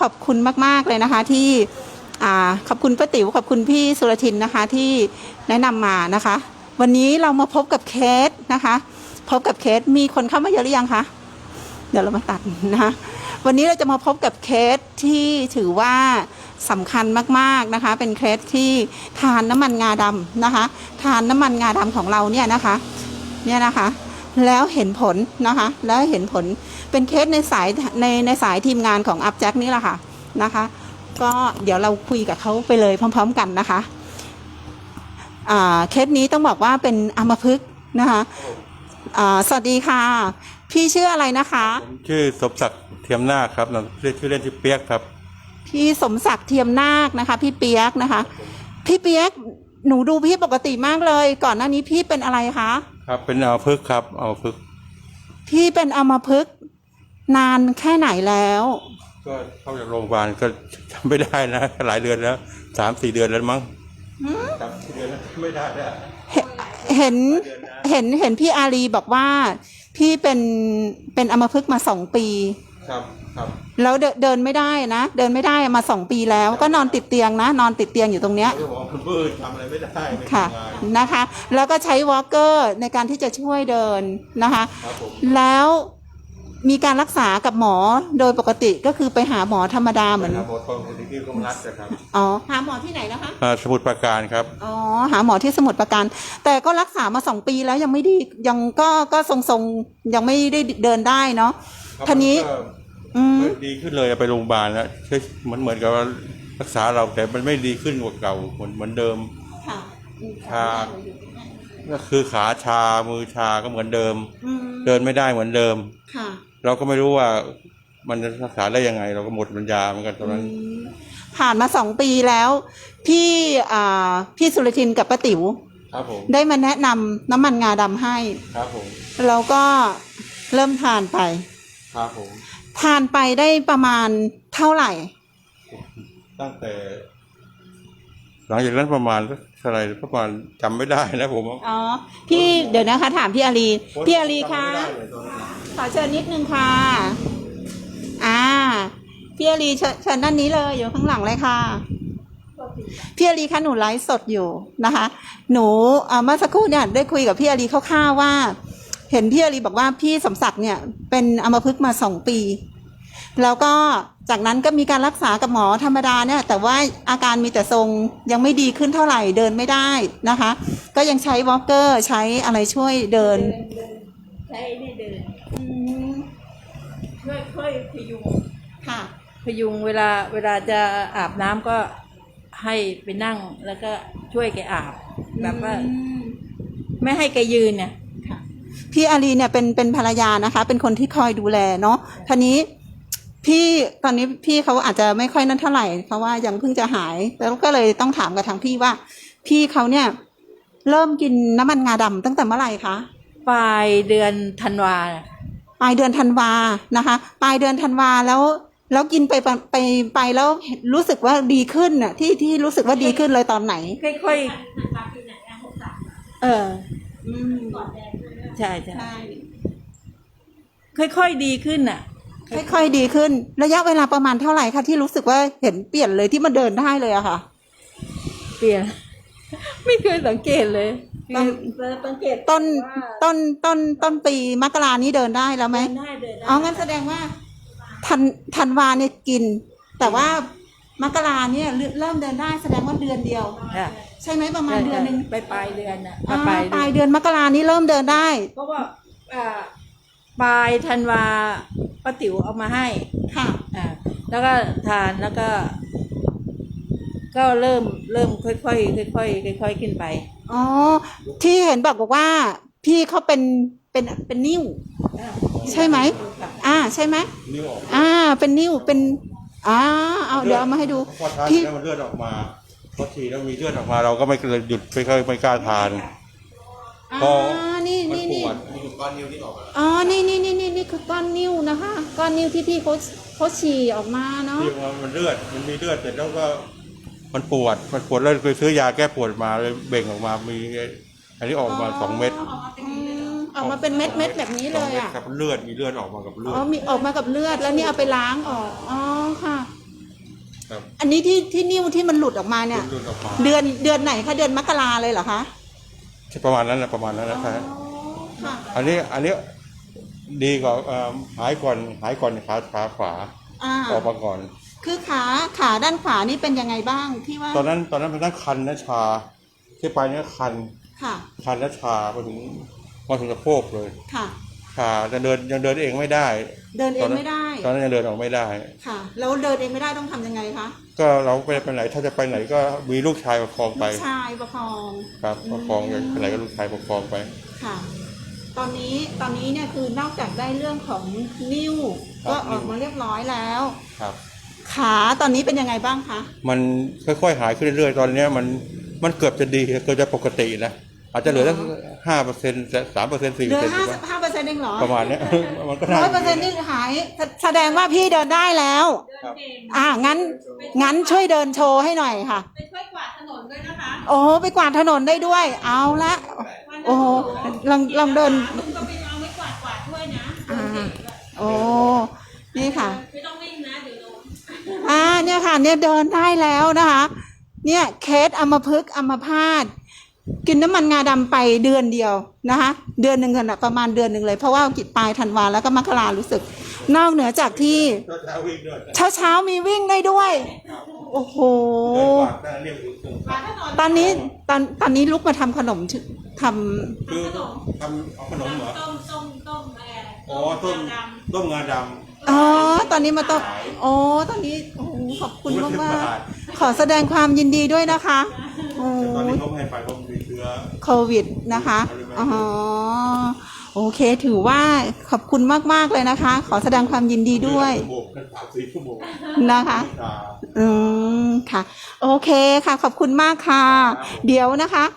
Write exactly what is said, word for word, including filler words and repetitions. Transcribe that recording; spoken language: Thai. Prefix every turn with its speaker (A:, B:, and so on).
A: อบคุณมากๆเลยนะคะที่อ่าขอบคุณป้าติ๋วขอบคุณพี่สุรทินนะคะที่แนะนำมานะคะ วันนี้เรามาพบกับเคสนะคะพบกับเคสมีคนเข้ามาเยอะหรือยังคะเดี๋ยวเรามาตัดนะคะวันนี้เราจะมาพบกับเคสที่ถือว่าสำคัญมากๆนะคะเป็นเคสที่ทานน้ำมันงาดำนะคะทานน้ำมันงาดำของเราเนี่ยนะคะเนี่ยนะคะแล้วเห็นผลนะคะแล้วเห็นผลเป็นเคสในสายในในสายทีมงานของอัพแจ็คนี่แหละค่ะนะคะก็เดี๋ยวเราคุยกับเขาไปเลยพร้อมๆกันนะคะอ่าเคสนี้ต้องบอกว่าเป็นอัมพฤกษ์นะคะอ่าสวัสดีค่ะพี่ชื่ออะไรนะคะ
B: ผมชื่อสมศักดิ์เทียมนาคครับเรียกชื่อเล่นชื่อเปียกครับ
A: พี่สมศักดิ์เทียมนาคนะคะพี่เปียกนะคะพี่เปียกหนูดูพี่ปกติมากเลยก่อนหน้านี้พี่เป็นอะไรคะ
B: ครับเป็นอัมพฤกษ์ครับอัมพฤกษ์
A: พี่เป็นอัมพฤกษ์นานแค่ไหนแล้ว
B: ก็เข้าจากโรงพยาบาลก็จำไม่ได้นะหลายเดือนแล้วสามสี่เดือนแล้วมั้งจำสี่เดือนแล้วไม่ได้แล้ว
A: เห็นเห็นเห็นพี่อารีบอกว่าพี่เป็นเป็นอัมพฤกษ์มาสองปี
B: ครับครับ
A: แล้วเดินเดินไม่ได้นะเดินไม่ได้มาสองปีแล้วก็นอนติดเตียงนะนอนติดเตียงอยู่ตรงเนี้ย
B: คุณปื้ดทำอะไรไม่ได้
A: ค่ะนะคะแล้วก็ใช้วอล์กเกอร์ในการที่จะช่วยเดินนะคะแล้วมีการรักษากับหมอโดยปกติก็คือไปหาหมอธรรมดาเหมือน
B: หาหมอทองที่กรมรัฐนะครับ
A: อ๋อหาหมอที่ไหนนะคะ
B: สมุทรปราการครับ
A: อ๋อหาหมอที่สมุทรปราการแต่ก็รักษามาสองปีแล้วยังไม่ดียังก็ก็ทรงๆยังไม่ได้เดินได้เนาะทีนี้
B: ดีขึ้นเลยไปโรงพยาบาลแล้วมันเหมือนกับรักษาเราแต่มันไม่ดีขึ้นกว่าเก่าเหมือนเหมือนเดิมชาก็คือขาชามือชาก็เหมือนเดิมเดินไม่ได้เหมือนเดิมเราก็ไม่รู้ว่ามันจะรักษาได้ยังไงเราก็หมดปัญญาเหมือนกันตอนนั้น
A: ผ่านมาสองปีแล้วพี่อ่าพี่สุรทินกับป้าติ๋วได้มาแนะนำน้ำมันงาดำให้
B: ครับผม
A: แล้วก็เริ่มทานไป
B: ครับผม
A: ทานไปได้ประมาณเท่าไหร่
B: ตั้งแต่หลังจากนั้นประมาณเท่าไหร่ประมาณจำไม่ได้นะผม
A: อ๋อพี่เดี๋ยวนะคะถามพี่อารีพี่อารีคะขอเชิญนิดนึงค่ะอ่าพี่อารีเชิญด้านนี้เลยอยู่ข้างหลังเลยค่ะพี่อารีคะหนูไลฟ์สดอยู่นะคะหนูเมื่อสักครู่เนี่ยได้คุยกับพี่อารีคร่าวๆว่าเห็นพี่อารีบอกว่าพี่สมศักดิ์เนี่ยเป็นอัมพฤกษ์มาสองปีแล้วก็จากนั้นก็มีการรักษากับหมอธรรมดาเนี่ยแต่ว่าอาการมีแต่ทรงยังไม่ดีขึ้นเท่าไหร่เดินไม่ได้นะคะก็ยังใช้วอล์กเกอร์ใช้อะไรช่วยเดิน
C: ใช้นี่เดินช่วยค่อยพยุง
A: ค่ะ
C: พยุงเวลาเวลาจะอาบน้ำก็ให้ไปนั่งแล้วก็ช่วยแกอาบแบบว่าไม่ให้แกยืนเนี่ย
A: พี่อารีเนี่ยเป็นเป็นภรรยานะคะเป็นคนที่คอยดูแลเนาะทีนี้พี่ตอนนี้พี่เขาอาจจะไม่ค่อยนั่นเท่าไหร่เพราะว่ายังเพิ่งจะหายแล้วก็เลยต้องถามกับทางพี่ว่าพี่เขาเนี่ยเริ่มกินน้ำมันงาดำตั้งแต่เมื่อไหร่คะ
C: ปลายเดือนธันวา
A: ปลายเดือนธันวานะคะปลายเดือนธันวาแล้วแล้วกินไปไปไปแล้วรู้สึกว่าดีขึ้นน่ะที่ที่รู้สึกว่าดีขึ้นเลยตอนไหน
C: ค่อยๆเออใช่ใช่ค่อยๆดีขึ้นน่ะ
A: ค่อยๆดีขึ้นระยะเวลาประมาณเท่าไหร่คะที่รู้สึกว่าเห็นเปลี่ยนเลยที่มันเดินได้เลยอะค่ะ
C: เปลี่ยนไม่เคยสังเกตเลย
A: สังเกตต้นต้นต้นต้นปีมกรานี้เดินได้แล้วไหมอ๋องั้นแสดงว่าธันธันวาเนี่ยกินแต่ว่ามกราเนี่ยเริ่มเดินได้แสดงว่าเดือนเดียวใช่ไหมประมาณเดือนนึง
C: ไปปลายเดือนอะ
A: ปลายเดือนมกรานี้เริ่มเดินได้
C: เพราะว่าปลายธันวาป้าติ๋วเอามาให้
A: ค่ะ
C: อ่าแล้วก็ทานแล้วก็ก็เริ่มเริ่มค่อยๆค่อยๆค่อยๆขึ้นไป
A: อ๋อที่เห็นบอกบอกว่าพี่เขาเป็นเป็นเป็นนิ่วใช่ไหมอ่าใช่ไหม
B: นิ่วออก
A: อ่าเป็นนิ่วเป็นอ่าเอาเดี๋ยวเอามาให้ดู
B: พี่แล้วมันเลือดออกมาพอฉีดแล้วมีเลือดออกมาเราก็ไม่เลยหยุดไม่ค่อยไม่กล้าทาน
A: อ๋อนี่นี่นี่
B: ก้อนนิ้วที่ออก
A: อ๋อนี่นี่นี่นี่นี่คือก้อนนิ้วนะคะก้อนนิ้วที่พี่เขาเขาฉี่ออกมาเนาะ
B: ที่มันเลือดมันมีเลือดเสร็จแล้วก็มันปวดมันปวดแล้วเคยซื้อยาแก้ปวดมาเลยเบ่งออกมามีอันนี้ออกมาสองเม็ด
A: ออกมาเป็นเม็ดเม็ดแบบนี้เลยอ่ะ
B: กับเลือดมีเลือดออกมากับเลือด
A: อ๋อมีออกมากับเลือดแล้วนี่เอาไปล้างออกอ๋อค่ะนนี้ที่ที่นิ้วที่มันหลุดออกมาเนี่ย
B: หลุดออกมา
A: เดือนเดือนไหนคะเดือนมกราเลยเหรอคะ
B: ประมาณนั้นนะประมาณนั้นนะครั
A: อ๋อค่ะ
B: อันนี้อันนี้ดีกว่าเอ่อหายก่อนหายก่อนขาขาขวา
A: อ่า
B: ออกมาก่อน
A: คือขาขาด้านขวานี่เป็นยังไงบ้างที่ว่า
B: ตอนนั้นตอนนั้นมันนั่งคันนะชาที่ไปเนี่ยคัน
A: ค่ะ
B: คันและชามาถึงมาถึงสะโพกเลย
A: ค่ะ
B: ชาจะเดินยังเดินเองไม่ได้
A: เดินเองไม่ได้
B: ตอนนั้นยังเดินออกไม่ได้
A: ค่ะแล้วเดินเองไม่ได้ต้องทำยังไงคะ
B: ก็เราไปไปไหนถ้าจะไปไหนก็มีลูกชายประคองไป
A: ลูกชายประคอง
B: ครับประคองอย่างไปไหนก็ลูกชายประคองไป
A: ค่ะ ตอนนี้ตอนนี้เนี่ยคือนอกจากได้เรื่องของนิ้ว
B: ครับ
A: ก็ออกมาเรียบร้อยแล้ว
B: ครับ
A: ขาตอนนี้เป็นยังไงบ้างคะ
B: มันค่อยๆหายขึ้นเรื่อยๆตอนเนี้ยมันมันเกือบจะดีเกือบจะปกตินะอาจจะเหลือสักห้าเปอร์เซ็นต์สามเปอร์เซ็นต์สี่
A: เห
B: เปอ
A: ลื
B: ร์
A: อ
B: เซ็นต์
A: ห้าสิบห้าเปอร์เซ็นต์เองเหรอ
B: ประมาณเนี้ย มันก็น่า
A: ร้อยเปอร์เซ็นต์นี่หายแสแสดงว่าพี่เดินได้แล้ว
B: ครับ
A: อ่างั้นงั้นช่วยเดินโชว์ให้หน่อยค่ะ
C: ไปช่วยกวาดถนนด้วยนะคะ
A: โอ้ไปกวาดถนนได้ด้วย เอาละโอ้โหลองลองเดิน
C: ลุงก็ไปเอาไม้กวาดกวาดด้วยนะ
A: อ่าโอ้นี่ค่ะ
C: ไม่ต้องวิ่งนะเดี๋ยวล้ม
A: อ่าเนี่ยค่ะเนี่ยเดินได้แล้วนะคะ เนี่ยเคสอัมพฤกษ์อัมพาตกินน้ำมันงาดำไปเดือนเดียวนะคะ เดือนหนึ่งกันประมาณเดือนหนึ่งเลยเพราะว่ากิจปลายธันวาแล้วก็มกรารู้สึก นอกเหนือจากที่
B: ก็จะวิ่งด้วย
A: เช้าเช้าๆมีวิ่งได้ด้วย โอ้โห
B: เดินกวาดได้เรียกถึงถึง
C: กวาดถนน
A: ตอนนี้ตอนตอนนี้ลุกมาทำขนมชื่อท
B: คือทำเอาขนมเหรอ
C: ต้มต้มต้มอะไร
B: อ๋อต้ม
C: ด
B: ต้มงาด
A: ำอ๋อตอนนี้มาต้องอ๋อตอนนี้โอ้โหขอบคุณมากมากๆขอแสดงความยินดีด้วยนะคะโอ้
B: ำตอนนี้เขาไม่ให้ไปเพราะมีเชื้อ
A: โควิดนะคะอ๋อโอเคถือว่าขอบคุณมากๆเลยนะคะ ขอแสดงความยินดีด้วย
B: ชั่วโมงกันสามสี่ชั่วโมง
A: นะคะ
B: ชา
A: อืมค่ะ โอเคค่ะ ขอบคุณมากค่ะ เดี๋ยวนะคะ